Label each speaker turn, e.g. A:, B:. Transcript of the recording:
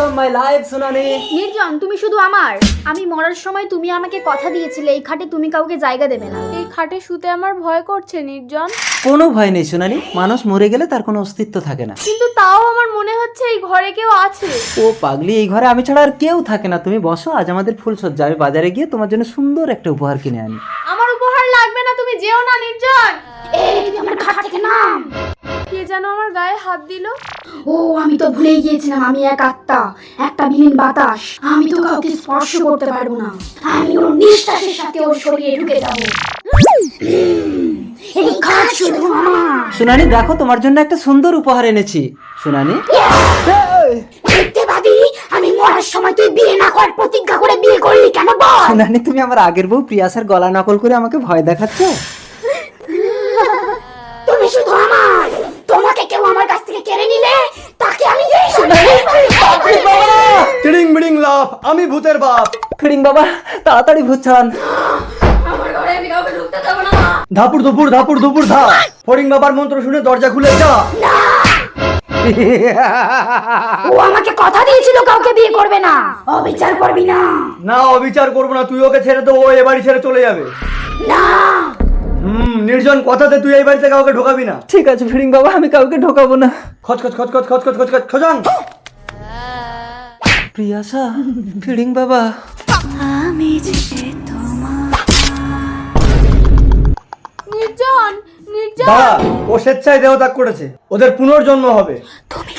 A: Of my life সোনালি।
B: নির্জন, তুমি শুধু আমার। আমি মরার সময় তুমি আমাকে কথা দিয়েছিলে এই খাটে তুমি কাউকে জায়গা দেবে না।
C: এই খাটে শুতে আমার ভয় করছে নির্জন।
A: কোনো ভয় নেই সোনালি, মানুষ মরে গেলে তার কোনো অস্তিত্ব থাকে না।
C: কিন্তু তাও আমার মনে হচ্ছে এই ঘরে কেউ আছে।
A: ও পাগলি, এই ঘরে আমি ছাড়া আর কেউ থাকে না। তুমি বসো, আজ আমাদের ফুলসজ্জা। আমি বাজারে গিয়ে তোমার জন্য সুন্দর একটা উপহার কিনে আনি।
C: আমার উপহার লাগবে না, তুমি যেও না নির্জন।
B: এই তুমি আমার খাট থেকে নাম।
C: কে যেন আমার গায়ে হাত দিল।
B: ও আমি তো ভুলেই গিয়েছিলাম, আমি এক আত্মা, একটা বিলীন বাতাস। আমি তো কাউকে স্পর্শ করতে পারবো না। আমি ওর নিঃশ্বাসের সাথে ওর শরীরে ঢুকে যাব। এই খাট শুধু আমার।
A: সোনালি দেখো, তোমার জন্য একটা সুন্দর উপহার এনেছি। সোনালি
B: দেখতে পাবি, আমি মরার সময় তুই বিয়ে না করার প্রতিজ্ঞা করে বিয়ে করলি কেন বল?
A: সোনালি, তুমি আমার আগের বউ প্রিয়াসার গলা নকল করে আমাকে ভয় দেখাচ্ছ।
B: তুমি শুধু আমার। তোমাকে কেউ আমার কাছ থেকে কেড়ে নিলে তাকে আমি
D: টিড়িং বিড়িং লাভ, আমি ভূতের বাপ।
A: ফিরিং বাবা, তাড়াতাড়ি ভূত ছাড়ান।
B: আমার ঘরে আমি কাউকে ঢুকতে দেবো না।
D: ধাপুর ধুপুর ধাপুর ধুপুর ধা। ফড়িং বাবার মন্ত্র শুনে দরজা খুলে যা।
B: ও আমাকে কথা দিয়েছিল কাউকে বিয়ে করবে না। অবিচার করবি না।
D: না, অবিচার করবো না। তুই ওকে ছেড়ে দে, ও এ বাড়ি ছেড়ে চলে যাবে।
B: না
D: নির্জন, কথাতে তুই এই বাড়িতে কাউকে ঢোকাবি না।
A: ঠিক আছে ফিরিং বাবা, আমি কাউকে ঢোকাবো না।
D: খচ খচ খচ খচ খচ খচ খচ খচ খচাং।
A: প্রিয়াসা, ফিরিং বাবা।
C: নির্জন, নির্জন।
D: দাঁড়া, ও স্বেচ্ছায় দেহত্যাগ করেছে। ওদের পুনর্জন্ম হবে।
B: তুমি